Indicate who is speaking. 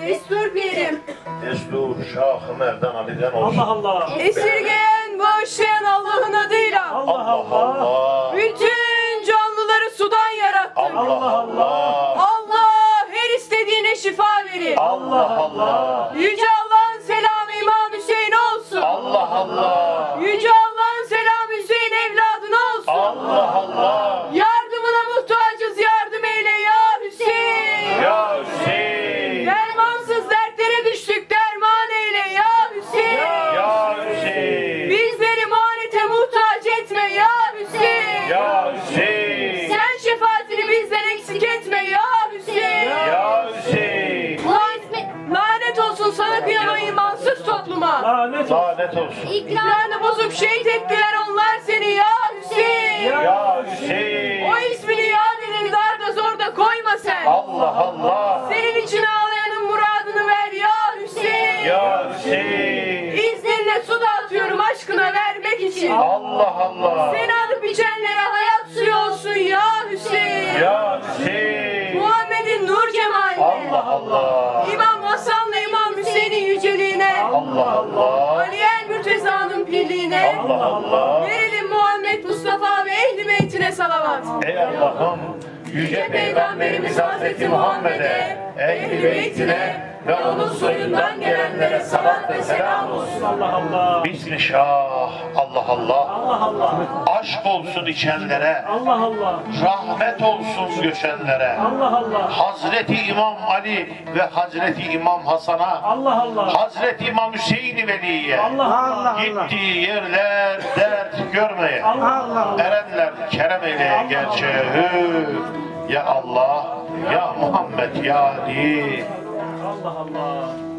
Speaker 1: Destur pirim.
Speaker 2: Destur Şah-ı Merdan Ali'den olsun.
Speaker 3: Allah Allah.
Speaker 1: Esirgeyen, bağışlayan Allah'ın adıyla.
Speaker 3: Allah
Speaker 2: Allah
Speaker 3: Allah.
Speaker 2: Allah.
Speaker 1: Bütün canlıları sudan yarattı.
Speaker 2: Allah Allah.
Speaker 1: Allah her istediğine şifa verir.
Speaker 2: Allah Allah.
Speaker 1: Yüce Allah'ın selamı İmam Hüseyin olsun.
Speaker 2: Allah Allah.
Speaker 1: Yüce Allah'ın selamı Hüseyin evladına olsun.
Speaker 2: Allah Allah.
Speaker 1: Yardımına muhtacız, yardım eyle ya Hüseyin.
Speaker 2: Ya Hüseyin.
Speaker 1: Dermansız dertlere düştük, derman eyle ya Hüseyin.
Speaker 2: Ya Hüseyin.
Speaker 1: Bizleri muhanete muhtaç etme ya Hüseyin.
Speaker 2: Ya Hüseyin.
Speaker 1: Sen şefaatini bizden eksik etme ya Hüseyin.
Speaker 2: Ya Hüseyin.
Speaker 1: Lanet olsun sana kıyaman imansız topluma.
Speaker 3: Lanet olsun.
Speaker 2: Lanet olsun.
Speaker 1: İkramını bozup şehit ettiler onlar seni ya Hüseyin.
Speaker 2: Ya Hüseyin.
Speaker 1: O ismini yad edin, darda zorda koyma sen.
Speaker 2: Allah Allah.
Speaker 1: Senin için ağlayanın muradını ver ya Hüseyin.
Speaker 2: Ya Hüseyin.
Speaker 1: İzninle su dağıtıyorum aşkına vermek için.
Speaker 2: Allah Allah.
Speaker 1: Seni alıp içenlere hayat suyu olsun ya Hüseyin.
Speaker 2: Ya Hüseyin.
Speaker 1: Muhammed'in nur cemaline.
Speaker 2: Allah Allah.
Speaker 1: İmam Hasan'la İmam Hüseyin'in yüceliğine.
Speaker 2: Allah Allah.
Speaker 1: Ali el Mürteza'nın pirliğine.
Speaker 2: Allah Allah.
Speaker 1: Verelim Muhammed Mustafa ve ehli beytine salavat.
Speaker 2: Ey Allah'ım, yüce Peygamberimiz Hazreti Muhammed'e, ehl-i beytine ve onun soyundan gelenlere salat ve selam olsun.
Speaker 3: Allah Allah.
Speaker 2: Bismillah, Allah Allah.
Speaker 3: Allah Allah.
Speaker 2: Aşk olsun içenlere,
Speaker 3: Allah Allah.
Speaker 2: rahmet olsun göçenlere.
Speaker 3: Allah Allah.
Speaker 2: Hazreti İmam Ali ve Hazreti İmam Hasan'a,
Speaker 3: Allah Allah.
Speaker 2: Hazreti İmam Hüseyin Veli'ye,
Speaker 3: Allah Allah.
Speaker 2: gittiği yerler dert görmeye,
Speaker 3: Allah.
Speaker 2: erenler kerem eyleye gerçeği. Ya Allah, ya Muhammed, ya Ali.
Speaker 3: Allah Allah.